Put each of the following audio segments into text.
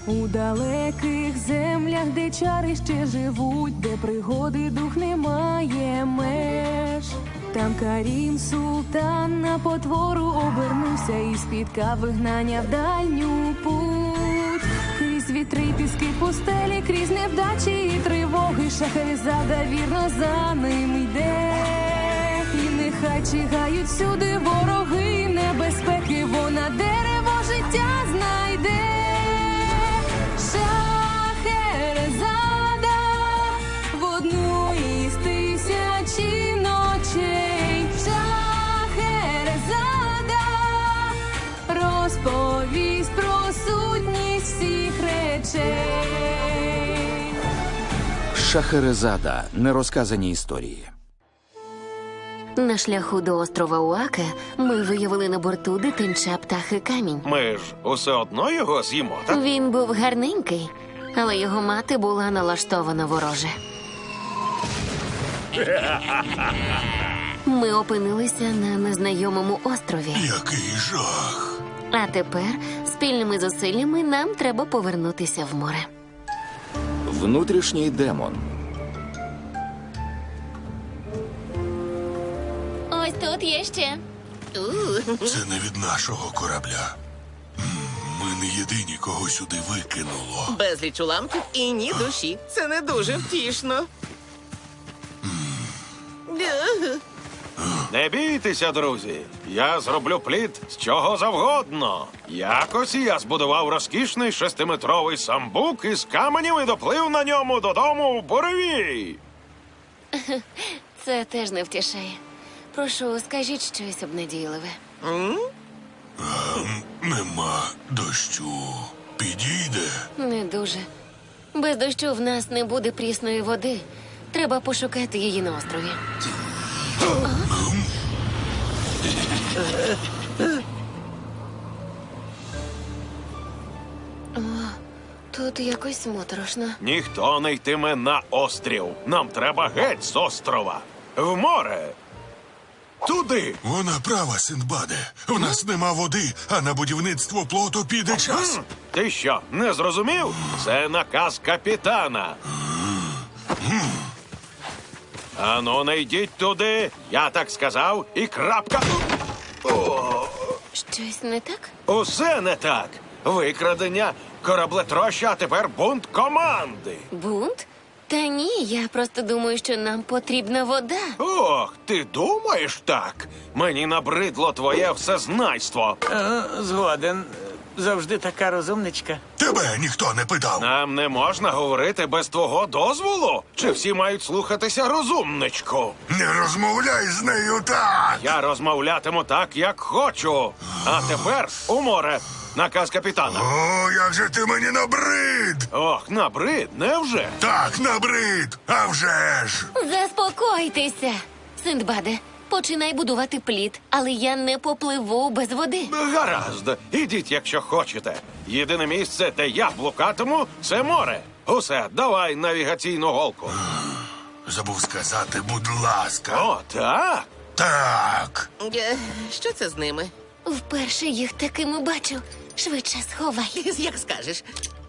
У далеких землях, де чари ще живуть, де пригоди дух не має меж. Там Карім султан на потвору обернувся і спіткав вигнання в дальню путь. Крізь вітри й піски пустелі, крізь невдачі і тривоги, Шахерезада вірно за ним йде. І нехай чигають всюди вороги і небезпеки, вона дерево життя знайде. Шахерезада в одну із тисячі ночей. Шахерезада розповість про сутність всіх речей. Шахерезада. Нерозказані історії. На шляху до острова Уаке ми виявили на борту дитинча птахи камінь. Ми ж усе одно його з'їмо, так? Він був гарненький, але його мати була налаштована вороже. Ми опинилися на незнайомому острові. Який жах. А тепер спільними зусиллями нам треба повернутися в море. Внутрішній демон. Ось тут є ще. Це не від нашого корабля. Ми не єдині, кого сюди викинуло. Безліч уламків і ні душі. Це не дуже втішно. Не бійтеся, друзі. Я зроблю плід з чого завгодно. Якось я збудував розкішний 6-метровий самбук із каменів і доплив на ньому додому в буревій. Це теж не втішає. Прошу, скажіть щось обнадійливе. Нема дощу. Підійде. Не дуже. Без дощу в нас не буде прісної води. Треба пошукати її на острові. Тут якось моторошно. Ніхто не йтиме на острів. Нам треба геть з острова. В море. Туди. Вона права, Синдбаде. У нас нема води, а на будівництво плоту піде час. Ти що, не зрозумів? Це наказ капітана. Ану, не йдіть туди. Я так сказав і крапка. Щось не так? Усе не так. Викрадення, кораблетроща, а тепер бунт команди. Бунт? Та ні, я просто думаю, що нам потрібна вода. Ох, ти думаєш так? Мені набридло твоє всезнайство. Згоден. Завжди така розумничка. Тебе ніхто не питав. Нам не можна говорити без твого дозволу? Чи всі мають слухатися розумничку? Не розмовляй з нею так. Я розмовлятиму так, як хочу. А тепер у море. Наказ капітана. О, як же ти мені набрид. Ох, набрид, невже? Так, набрид. А вже ж. Заспокойтеся. Синдбаде, починай будувати плід, але я не попливу без води. Гаразд, ідіть, якщо хочете. Єдине місце, де я блукатиму, це море. Усе, давай навігаційну голку. Забув сказати, будь ласка. О, так? Так. Що це з ними? Вперше їх такими бачу. Швидше сховай. Як скажеш.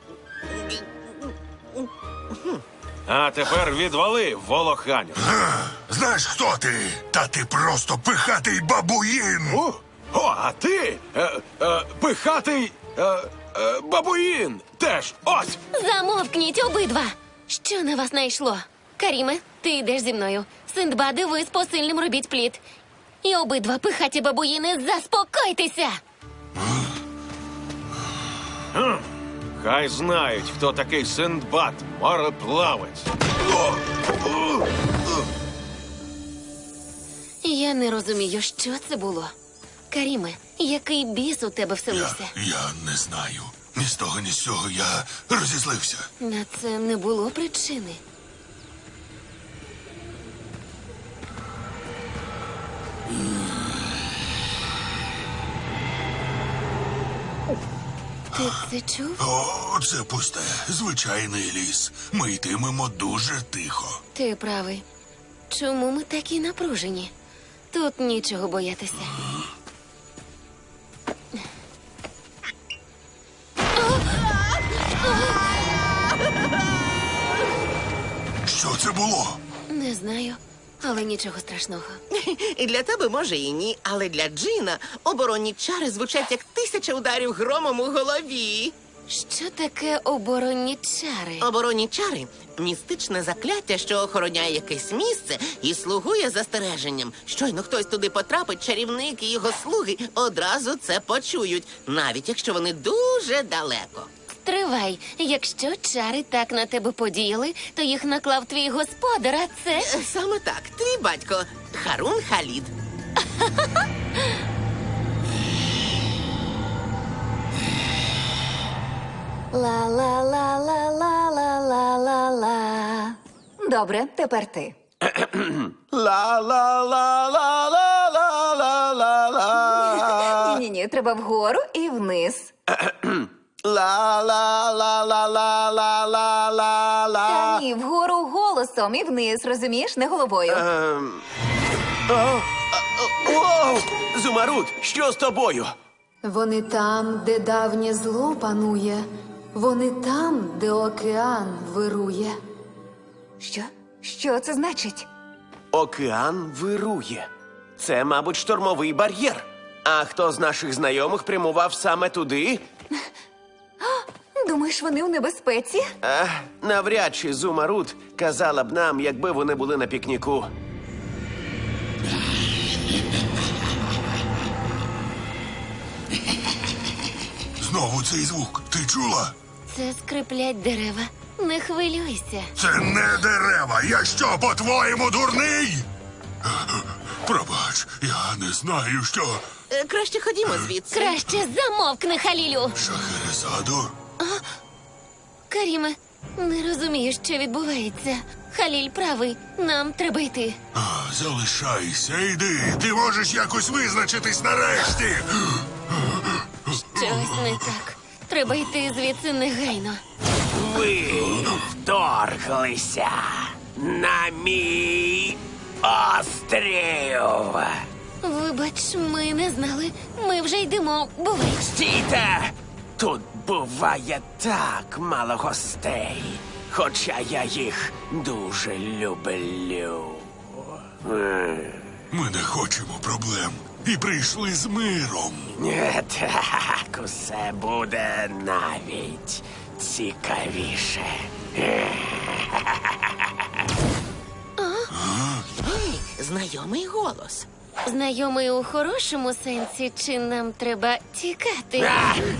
А тепер відвали, волоханю. Знаєш, хто ти? Та ти просто пихатий бабуїн. А ти? Пихатий бабуїн. Теж, ось. Замовкніть обидва. Що на вас найшло? Каріме, ти йдеш зі мною. Синдбаде, ви з посильним робіть плід. І обидва пихаті бабуїни, заспокойтеся. Хай знають, хто такий Синдбад, мореплавець. Я не розумію, що це було. Каріме, який біс у тебе вселився? Я не знаю. Ні з того, ні з цього я розізлився. На це не було причини. Ти це чув? О, це пусте, звичайний ліс. Ми йтимемо дуже тихо. Ти правий. Чому ми такі напружені? Тут нічого боятися. було? Не знаю, але нічого страшного. І для тебе може і ні, але для Джина оборонні чари звучать як 1000 ударів громом у голові. Що таке оборонні чари? Оборонні чари – містичне закляття, що охороняє якесь місце і слугує застереженням. Щойно хтось туди потрапить, чарівник і його слуги одразу це почують, навіть якщо вони дуже далеко. Тривай, якщо чари так на тебе подіяли, то їх наклав твій господар, а це... Саме так, твій батько Харун Халід. Ла-ла-ла-ла-ла-ла-ла-ла. Добре, тепер ти. Ла-ла-ла-ла-ла-ла-ла. Ні-ні, треба вгору і вниз. Ла-ла-ла-ла-ла-ла-ла-ла. Та ні, вгору голосом і вниз, розумієш, не головою. Оу! Зумаруд, що з тобою? Вони там, де давнє зло панує. Вони там, де океан вирує. Що? Що це значить? Океан вирує. Це, мабуть, штормовий бар'єр. А хто з наших знайомих прямував саме туди? Думаєш, вони у небезпеці? Навряд чи Зумаруд казала б нам, якби вони були на пікніку. Знову цей звук. Ти чула? Це скриплять дерева. Не хвилюйся. Це не дерева. Я що, по-твоєму, дурний? Пробач, я не знаю, що. Краще ходімо звідси. Краще замовкни, Халілю. Шахерезаду? Каріме, не розумію, що відбувається. Халіль правий, нам треба йти. Залишайся, йди. Ти можеш якось визначитись нарешті. Щось не так. Треба йти звідси негайно. Ви вторглися на мій острів. Вибач, ми не знали. Ми вже йдемо. Бувай. Стійте! Тут буває так мало гостей, хоча я їх дуже люблю. Ми не хочемо проблем. І прийшли з миром. Так, усе буде навіть цікавіше. Знайомий голос. Знайомий у хорошому сенсі, чи нам треба тікати?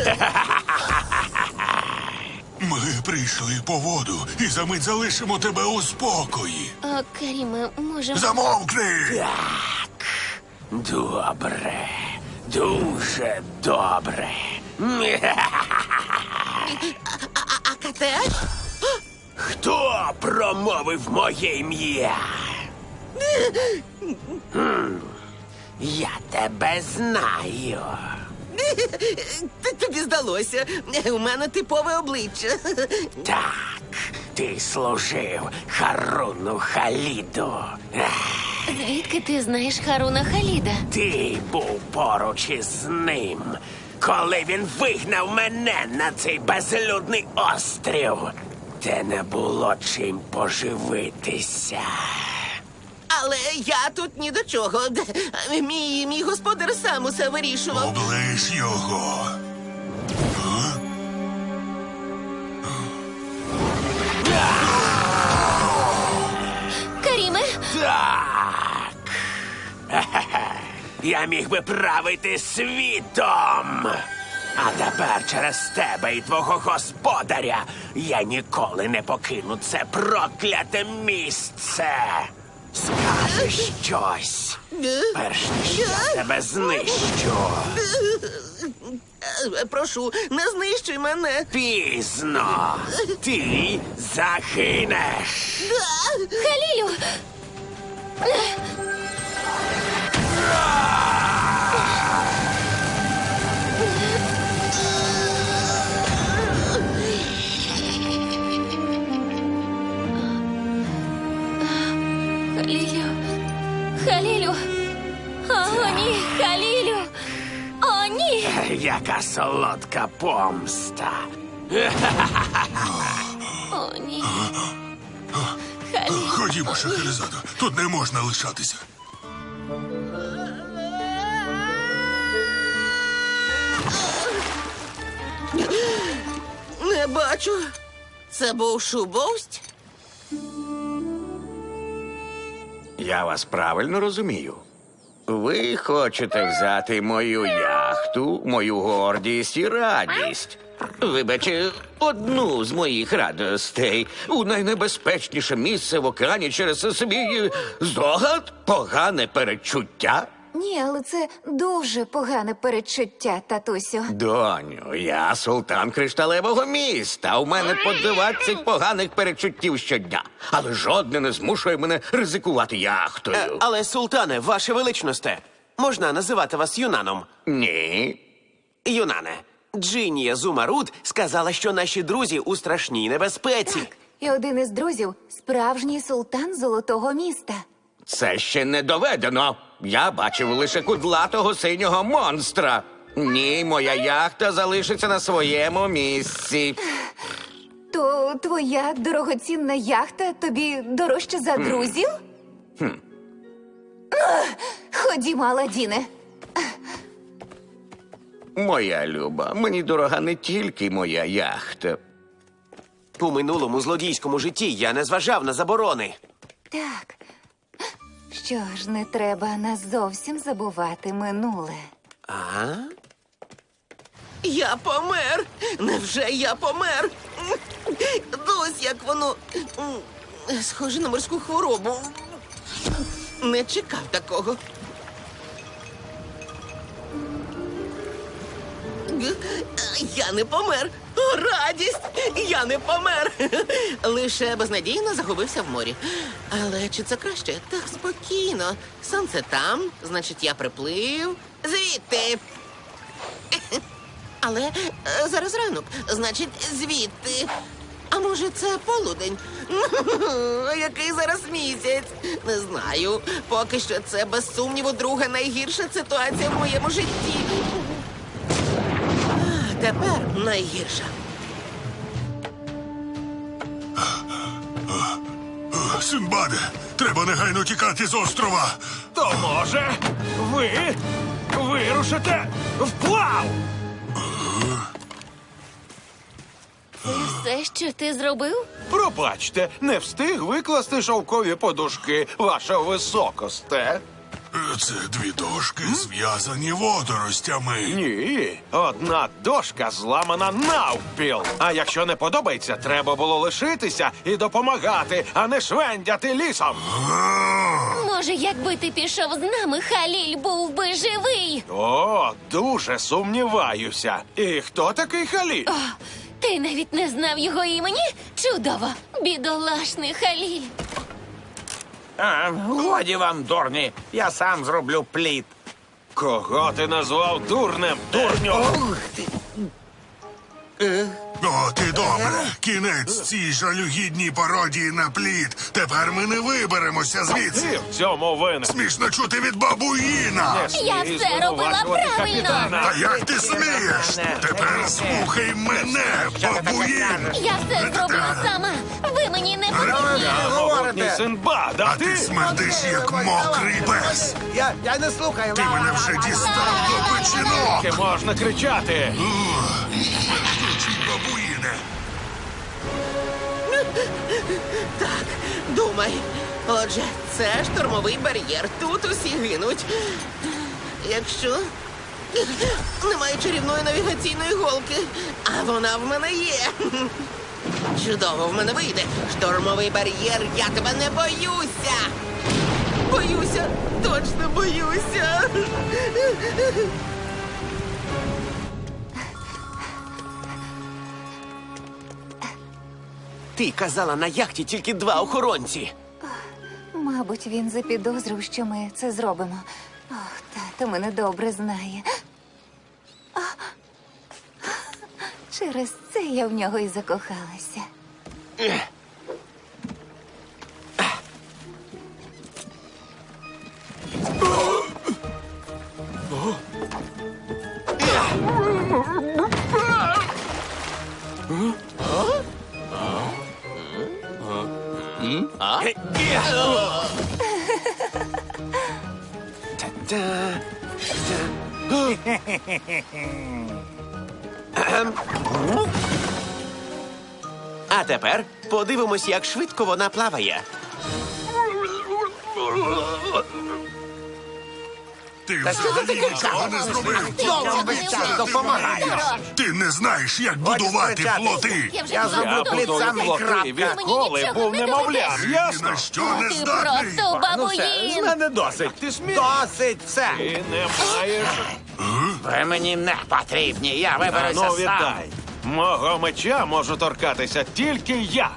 Ми прийшли по воду і за мить залишимо тебе у спокої. Каріме, можемо... Замовкни! Добре, дуже добре. А Катеш? Хто промовив моє ім'я? Я тебе знаю. Тобі здалося. У мене типове обличчя. Так, ти служив Харуну Халіду. Звідки ти знаєш Харуна Халіда? Ти був поруч із ним, коли він вигнав мене на цей безлюдний острів, де не було чим поживитися. Але я тут ні до чого. Мій господар сам усе вирішував. Оближ його. Каріме? Так. Я міг би правити світом. А тепер через тебе і твого господаря я ніколи не покину це прокляте місце. Скажи щось, перш ніж я тебе знищу. Прошу, не знищуй мене. Пізно. Ти загинеш. Халілю! Халілю! Халілю! О, ні! Халілю! О, ні! Яка солодка помста. О, ні! Ходімо, Шахерезадо, тут не можна лишатися. Не бачу. Це був шубовсть? Я вас правильно розумію. Ви хочете взяти мою яхту, мою гордість і радість. Вибачте, одну з моїх радостей у найнебезпечніше місце в океані через свій здогад, погане передчуття. Ні, але це дуже погане передчуття, татусю. Доню, я султан кришталевого міста. У мене по 20 поганих передчуттів щодня. Але жодне не змушує мене ризикувати яхтою. Але, султане, ваше величносте, можна називати вас Юнаном? Ні. Юнане, Джинія Зумаруд сказала, що наші друзі у страшній небезпеці. І один із друзів – справжній султан Золотого міста. Це ще не доведено. Я бачив лише кудлатого синього монстра. Ні, моя яхта залишиться на своєму місці. То твоя дорогоцінна яхта тобі дорожча за друзів? Ходімо, Аладдіне. Моя люба, мені дорога не тільки моя яхта. У минулому злодійському житті я не зважав на заборони. Так. Що ж, не треба нас зовсім забувати минуле. А? Я помер! Невже я помер? Ось як воно схоже на морську хворобу. Не чекав такого. Я не помер. О, радість! Я не помер. Лише безнадійно загубився в морі. Але чи це краще? Так спокійно. Сонце там, значить, я приплив. Звідти. Але зараз ранок, значить, звідти. А може, це полудень? Який зараз місяць? Не знаю. Поки що це, без сумніву, друга найгірша ситуація в моєму житті. Тепер найгірша. Синдбаде, треба негайно тікати з острова. То може ви вирушите вплав? Все, що ти зробив? Пробачте, не встиг викласти шовкові подушки, ваша високосте. Це дві дошки, зв'язані водоростями. Ні, одна дошка зламана навпіл. А якщо не подобається, треба було лишитися і допомагати, а не швендяти лісом. Може, якби ти пішов з нами, Халіль був би живий. О, дуже сумніваюся. І хто такий Халіль? Ти навіть не знав його імені? Чудово! Бідолашний Халіль. Годі вам, дурні, я сам зроблю плід. Кого ти назвав дурнем, дурню? От і добре. Кінець цій жалюгідній пародії на плід. Тепер ми не виберемося звідси. Ти в цьому винен. Смішно чути від бабуїна. Не Я смій все робила звинувачувати правильно. капітана. Та як ти смієш? Тепер слухай мене, бабуїн. Я все зробила сама. Ви мені не потрібні. Я могутній Синдбад, а А ти ти? смердиш, як мокрий пес. Я не слухаю. Ти мене вже дістав до печінок. Тільки можна кричати. Смердючий бабуїне. Так, думай. Отже, це штурмовий бар'єр. Тут усі гинуть. Якщо немає чарівної навігаційної голки, а вона в мене є. Чудово в мене вийде. Штурмовий бар'єр, я тебе не боюся. Боюся, точно боюся. Ти казала, на яхті тільки 2 охоронці. Мабуть, він запідозрив, що ми це зробимо. Ох, тато мене добре знає. Через це я в нього і закохалася. А тепер подивимось, як швидко вона плаває. Ти взагалі нічого не зробив. Ти не знаєш, як будувати флоти. Я Я будую флоти, відколи був немовлям, Ні ясно? на що не Ти здатний. просто бабуїн! Мене досить. Ти смієш? Досить все. Ти не маєш. Ви мені не потрібні, я А виберуся ну сам. віддай. Мого меча можу торкатися тільки я.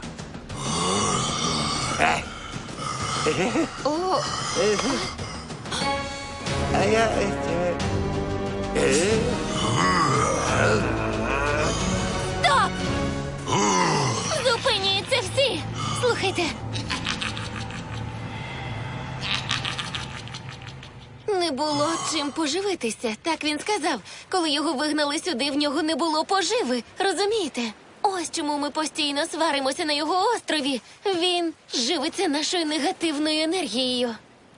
Стоп! Зупиніться всі! Слухайте. Не було чим поживитися, так він сказав. Коли його вигнали сюди, в нього не було поживи. Розумієте? Ось чому ми постійно сваримося на його острові. Він живиться нашою негативною енергією.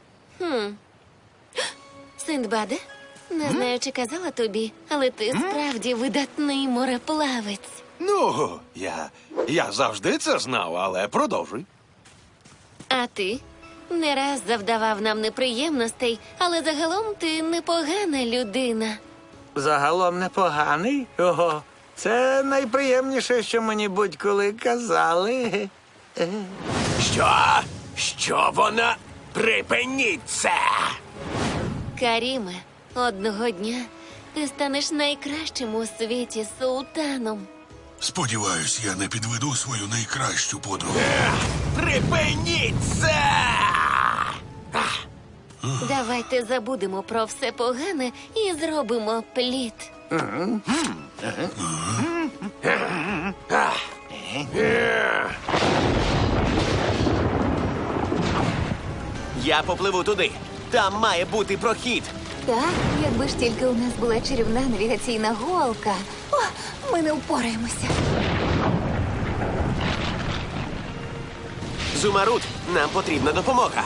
Синдбаде, не знаю, чи казала тобі, але ти справді видатний мореплавець. Ну, я завжди це знав, але продовжуй. А ти не раз завдавав нам неприємностей, але загалом ти непогана людина. Загалом непоганий. Ого, це найприємніше, що мені будь-коли казали. Що? Що вона? Припиніть це! Каріме, одного дня ти станеш найкращим у світі султаном. Сподіваюсь, я не підведу свою найкращу подругу. Припиніть це! Давайте забудемо про все погане і зробимо плід. Я попливу туди. Там має бути прохід. Так, якби ж тільки у нас була чарівна навігаційна голка. О, ми не впораємося. Зумаруд, нам потрібна допомога.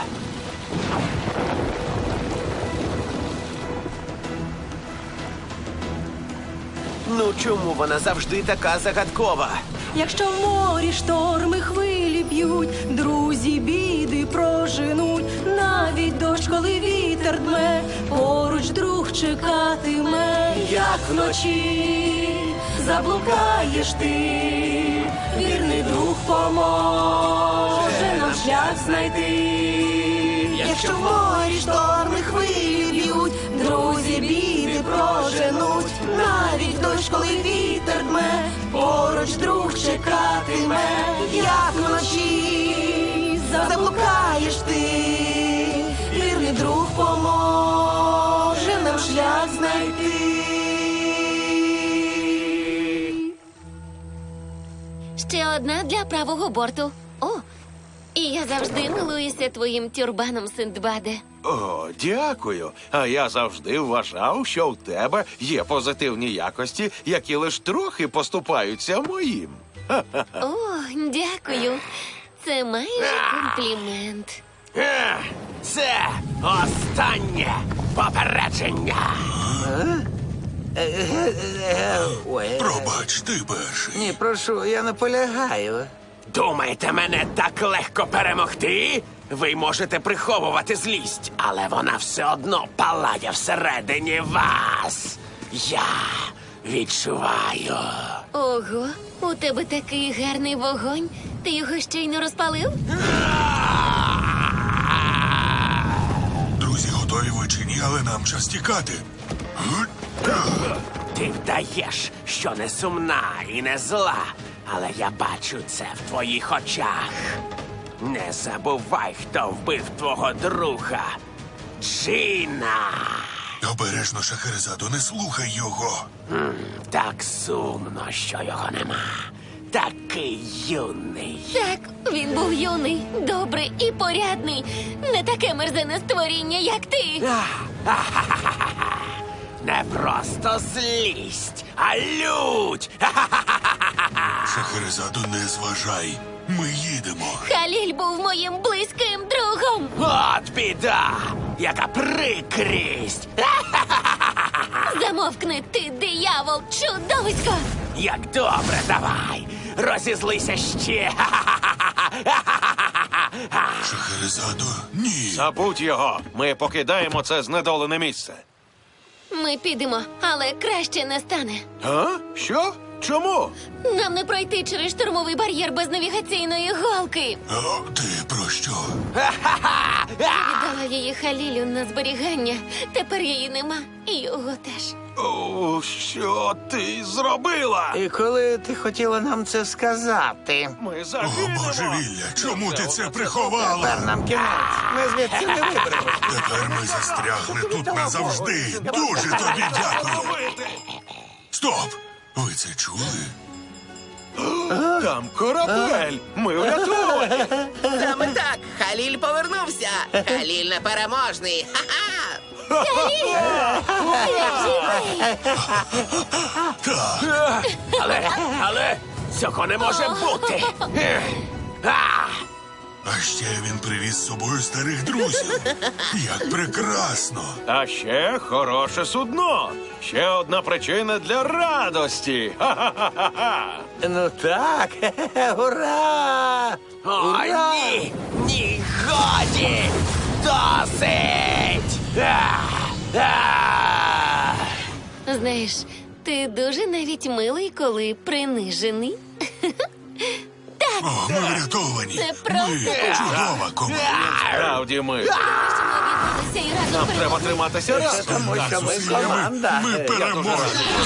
Ну чому вона завжди така загадкова? Якщо в морі шторми хвилі б'ють, друзі біди проженуть, навіть дощ, коли вітер дме, поруч друг чекатиме, як вночі заблукаєш ти, вірний друг поможе нам шлях знайти. Якщо в морі шторми хвилі б'ють, друзі біди проженуть, навіть дощ, коли вітер дме, поруч друг чекатиме, як вночі заблукаєш ти, вірний друг поможе нам шлях знайти. Ще одна для правого борту. О, і я завжди милуюся твоїм тюрбаном, Синдбаде. О, дякую. А я завжди вважав, що в тебе є позитивні якості, які лиш трохи поступаються моїм. О, дякую. Це майже комплімент. Це останнє попередження. Ой, Пробач, ти перший. ні, прошу, я наполягаю. Думаєте, мене так легко перемогти? Ви можете приховувати злість, але вона все одно палає всередині вас. Я відчуваю. Ого, у тебе такий гарний вогонь. Ти його щойно розпалив? Друзі, готові ви чи ні, але нам час тікати. Ти вдаєш, що не сумна і не зла, але я бачу це в твоїх очах. Не забувай, хто вбив твого друга. Джина. Обережно, Шахерезаду, не слухай його. Так сумно, що його нема. Такий юний. Так, він був юний, добрий і порядний. Не таке мерзене створіння, як ти. Не просто злість, а лють. Шахерезаду, не зважай. Ми їдемо. Халіль був моїм близьким другом. От біда! Яка прикрість! Замовкни, ти диявол, чудовисько! Як добре, давай! Розізлися ще! Шахерезадо, ні. Забудь його. Ми покидаємо це знедолене місце. Ми підемо, але краще не стане. А? Що? Чому? Нам не пройти через штурмовий бар'єр без навігаційної голки. О, ти про що? Віддала її Халілю на зберігання. Тепер її нема. І його теж. О, що ти зробила? І коли ти хотіла нам це сказати? Ми О, загинемо. божевілля, чому ти це приховала? Тепер нам кінець. Ми звідси не виберемося. Тепер ми застрягли тут назавжди. Дуже тобі дякую. Стоп! Ви це чули? Там корабель. Ми врятовані. Саме так, Халіль повернувся. Халіль непереможний. Ха-ха! Але цього не може бути! А ще він привіз з собою старих друзів. Як прекрасно! А ще хороше судно. Ще одна причина для радості. Ха-ха-ха-ха. Ну так, ура! Ой, ні! Ні, годі! Досить! Знаєш, ти дуже навіть милий, коли принижений. О, ми врятовані. Це просто Ми чудова команда. Справді ми. що ми об'єдналися і разом Нам треба переможемо. триматися разом. Тому що ми Зусиллями команда. ми переможемо.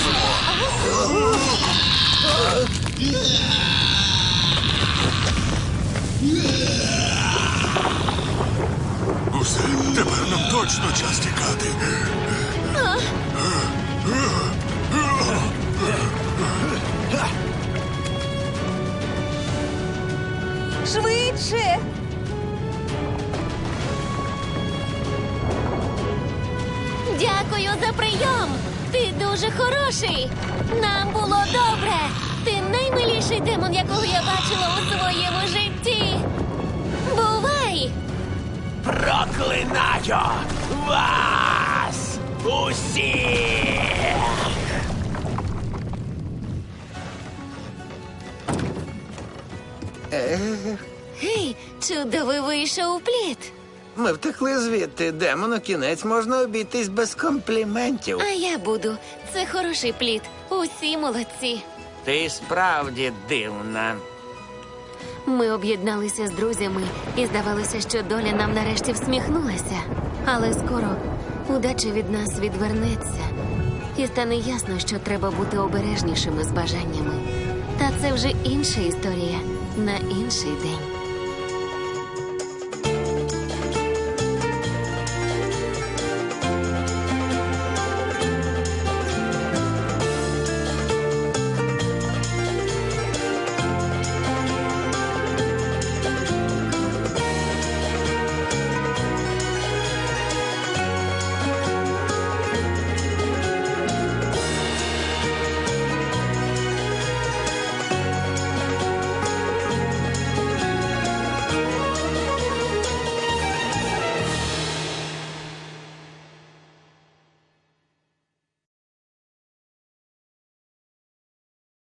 Усе, тепер нам точно час тікати. Швидше! Дякую за прийом. Ти дуже хороший. Нам було добре. Ти наймиліший демон, якого я бачила у своєму житті. Бувай! Проклинаю вас усіх! Гей, чудовий вийшов плід. Ми втекли звідти. Демону кінець можна обійтись без компліментів. А я буду. Це хороший плід. Усі молодці. Ти справді дивна. Ми об'єдналися з друзями і здавалося, що доля нам нарешті всміхнулася. Але скоро удача від нас відвернеться. І стане ясно, що треба бути обережнішими з бажаннями. Та це вже інша історія на інший день.